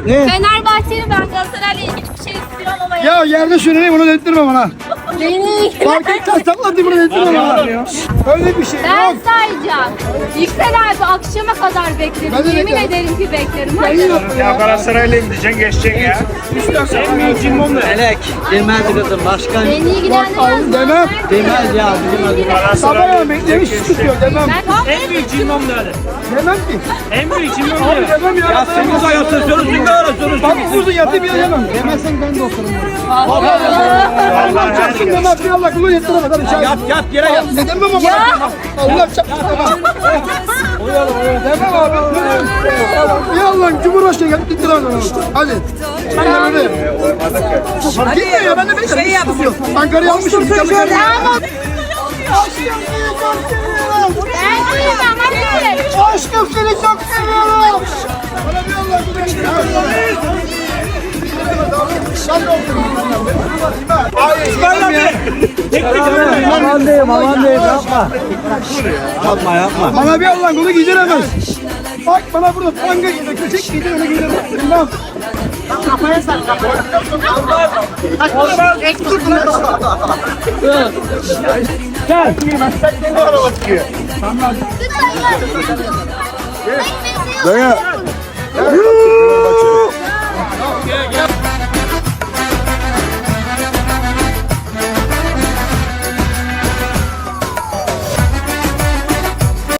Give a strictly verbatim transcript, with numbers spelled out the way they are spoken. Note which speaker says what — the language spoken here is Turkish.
Speaker 1: Ne?
Speaker 2: Fenerbahçeli ben Galatasaray'la ilgili bir şey istiyorum ama ya.
Speaker 1: Ya yerde şunu bunu dedirtme bana.
Speaker 2: Beni
Speaker 1: Fark etmez saklatayım bunu dedirtme bana. Öyle bir şey
Speaker 2: ben
Speaker 1: yok.
Speaker 2: sayacağım. Yüksel abi akşama kadar beklerim.
Speaker 1: Ben de
Speaker 2: Yemin
Speaker 1: beklerim.
Speaker 2: ederim ki beklerim.
Speaker 1: Ben
Speaker 2: Hadi.
Speaker 1: yok
Speaker 3: Ya Galatasaray'la gideceksin geçeceksin ya. En büyük cimbom ne?
Speaker 4: Melek demez kızım başkan
Speaker 2: Beni ilgilendirmez.
Speaker 1: Oğlum demem.
Speaker 4: demez ya bizim adı.
Speaker 1: Sabah beklemiş tutuyor demem.
Speaker 2: Ben
Speaker 3: En büyük cimbom ne?
Speaker 1: Demem ki.
Speaker 3: En büyük cimbom
Speaker 1: Abi
Speaker 3: ne?
Speaker 1: demem ya.
Speaker 4: Ya sen uzay atıyorsunuz ne arıyorsunuz?
Speaker 1: Bak uzun yatayım ya demem. Demezsen ben de otururum. Allah çarpsın demem. Bir Allah kulu yettiremez. Hadi çağır.
Speaker 4: Yat yat yere yat.
Speaker 1: Ne demem ama. Allah çarpsın demem. Demem abi. Ya Allah Cumhurbaşkanı gelip gittiremez onu. Hadi. Ben de böyle. Gitme ya ben de beklerim. Şey yapsın. Ankara'ya almışım.
Speaker 2: Ben değilim ama değilim.
Speaker 1: Aşkım seni çok seviyorum. Bana bir Allah
Speaker 4: Aman diyeyim aman diyeyim yapma. Yapma yapma.
Speaker 1: Bana bir Allah kulu giydiremez. Bak bana burada tanga giydir, köçek giydir, öyle giydiremez. Bilmem. Kafaya sak, kafaya. Gel. Sen ne araba çıkıyor? Tamam. Daya.